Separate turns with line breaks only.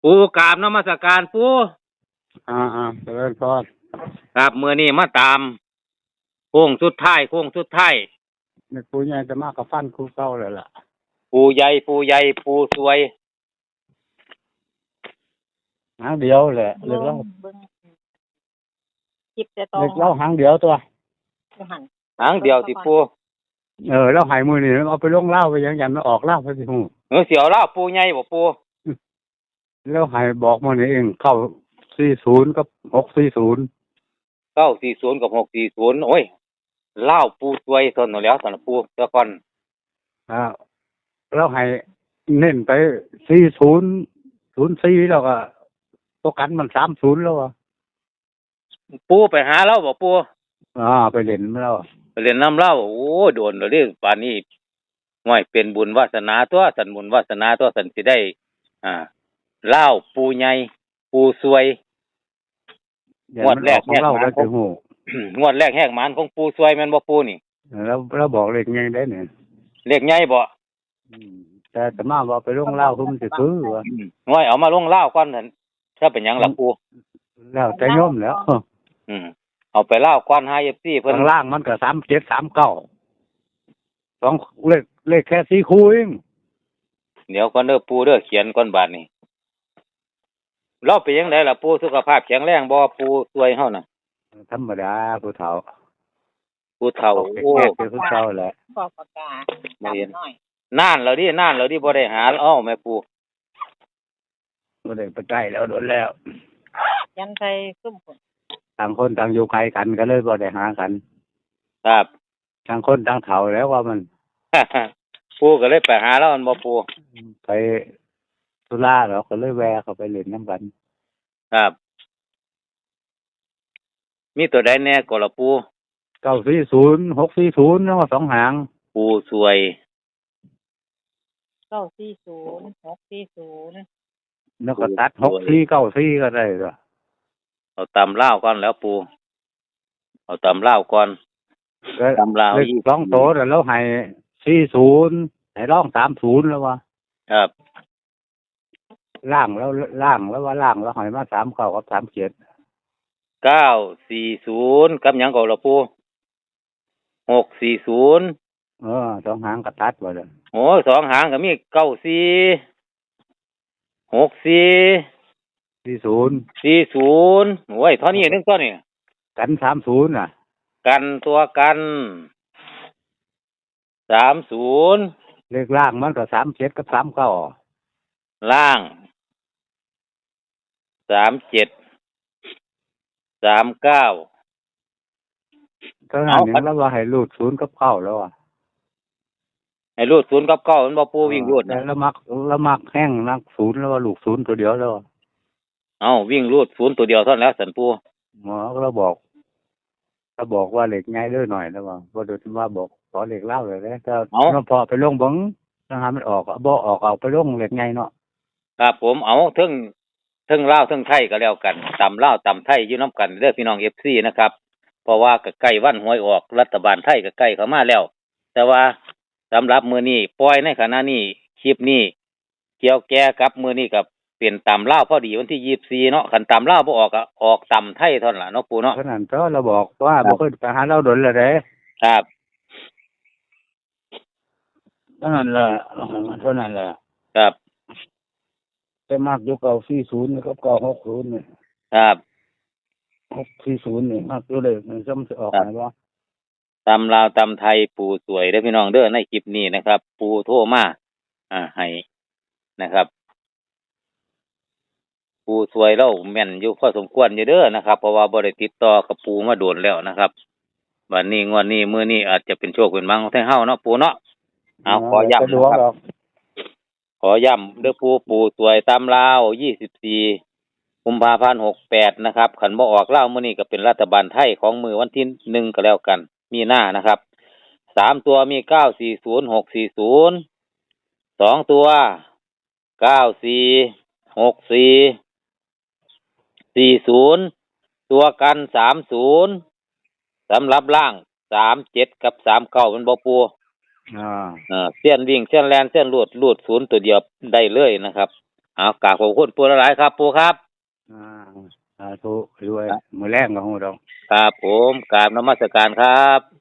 ปูกราบนมัสการปู
เจริญพร
ครับมื้อนี้มาตามโค้งสุดท้าย
ในปูใหญ่จะมากกับฟันคูเก่าเลยล่ะ
ปูใหญ่ปูสวย
หางเดียวแหละเล็กเล่า
จิบแต่ตอ
เล็กเล่าหางเดียวตัว
หางเดียวสิปู
เล่าหายมือนี่เอาไปลงเล่าไปยังยันมาออกเล่าไปสิหู
เสียวเล่าปูใหญ่บ่ปู
แล้วหายบอกมานี่เองเข้า40กับ640
940กับ640โอ้ยเล่าปูสวยทนแล้วซั่นปูตะก่อน
แล้วหายเน้นไป4004แล้วก็ตัวกันมัน30แล้วอ่ะ
ปูไปหาเราบ่ปู
ไปเล่นแล้ว
ไปเล่นน้ำเล่าโอ้โดนแล้วเด้ป่านนี้ห้วยเป็นบุญวาสนาตัวสันบุญวาสนาตัวสันสิได้เล่าปูใหญ่ปูสวยงวดแรกแหกหมานของงวดแรกแหกหมานของปูสวยแม่นบ่ปูนี่
แล้วบอกเลขใหญ่ได้เนี่ย
เลขใหญ่บ่
แต่สมาบอกไปลงเล่าคือมันสิซื้อว่า
ง่อยเอามาลงเล่าก่อนนั่นถ้าเป็นหยังล่ะปู
แล้วแต่โยมแล้ว
เอาไปเล่าก่อนให้ FC เพิ่น
ข้างล่างมันก็37 39 2เลขแค่4คู่เอง
เดี๋ยวก่อนเด้อปูเด้อเขียนก่อนบาดนี้เราเป็นจังได๋ล่ะปูสุขภาพแข็งแรงบ่ปูสวยเฮาน่ะ
ธรรมดาผู้เฒ่า
โอ้
คือผู้เฒ่าแหละ
บอกปากกาบ่เห็น
นานแล้วดิบ่ได้หาอ้อแม่ปู
บ่ได้ไปใกล้แล้วโดนแล้ว
ยันใส่ซุ่มคน
ต่างคนต่างอยู่ไกลกันก็เลยบ่ได้หากัน
ครับ
ต่างคนต่างเฒ่าแล้วว่ามัน
ปูก็เลยไปหาแล้วมันบ่ปู
ไปธุระแล้วก็เลยแวะเข้าไปเล่นน้ำกัน
ครับมีตัวใดแน่ก็ล่ะปู
940 640แล้วว่า2หาง
ปูสวย
940 640
แล้วก็ตัด6494ก็ได้ล่ะ
เอาตำลาวก่อนแล้วปูเอาตำลาวก่อนตำลาว
อีก2โตแล้วให้40ให้ร้อง30แล้วว่า
ครับ
ล่างแล้วว่าล่างแล้วให้มา39กับ37
940กับหยังก็ล่ะปู640
2หางก็ตัดบ่ล่ะ
โอ้2หางก็มี94 64 40โอ้ยเท่านี้นึงตัวนี้
กัน30น่ะ
กันตัวกัน30
เลขล่างมันก็37กับ39
ล่าง37 39
ก็นั่นนี่แล้วว่าให้รูด0กับ9แล้วอ่ะ
ให้รูด0กับ9มันบ่ปูวิ่งรูด
นะแล้วมักแห้งนัก0แล้วว่าลูก0ตัวเดียวแล้ว
วิ่งรูด0ตัวเดียวเท่านั้นแล้วสันปู
หมอก็บอกว่าเหล็กง่ายด้วยหน่อยแล้วว่าบ่ได้ว่าบอกขอเหล็กเล่าเลยนะถ้าพอไปลงเบิ่งถ้าหามันออกบ่ออกเอาไปลงเหล็กง่ายเนาะ
ครับผมเอาเทิงลาวเทิงไทยก็แล้วกันตำลาวตำไทยอยู่นํกันเด้อพี่น้อง FC นะครับเพราะว่าก็ใกล้วันหวยออกรัฐบาลไทยก็ใกล้เข้ามาแล้วแต่ว่าสำหรับมื้อนี้ปล่อยในขณะนี้คลิปนี้เกี่ยวแก่กับมื้อนี้กับเป็นตำลาวพอดีวันที่24เนาะคันตำลาวบ่ออกก็ออกตำไทยเท่านั้นล่ะเนาะปู่เนาะ
เพราะนั้นก็เราบอกว่าบ่เคยไปหาเราดนแล้วเด้
ครับ
เท่านั้นแหละ
ครับ
แต่มากอยู่940กับ960นี่
ครับ
640นี่มากอยู่เลยมันจะออกไหนบ่
ตำลาวตำไทยปู่สวยเด้อพี่น้องเด้อในคลิปนี้นะครับปู่โทรมาให้นะครับปู่สวยเราแม่นอยู่พอสมควรอยู่เด้อนะครับเพราะว่าบ่ได้ติดต่อกับปู่มาโดนแล้วนะครับบัดนี้งวดนี้มื้อนี้อาจจะเป็นโชคเป็นลาภของทางเฮาเนาะปู่เนาะขอย้ำนะครับขอย้ำเด้อปู่สวยตำลาว24กุมภาพันธ์68นะครับคันบ่ออกลาวมื้อนี้ก็เป็นรัฐบาลไทยของมื้อวันที่1ก็แล้วกันมีหน้านะครับ3ตัวมี940 640 2ตัว94 64 40ตัวกัน30สำหรับล่าง37กับ39มันบ่ปูเส้นวิ่งเส้นแล่นเส้นลูด0ตัวเดียวได้เลยนะครับเอากราบขอบคุณปู่หลายๆครับปู่ครับ
อ่าสาธุด้วยมือแรงของเรา
ครับผมกราบนมัสการครับ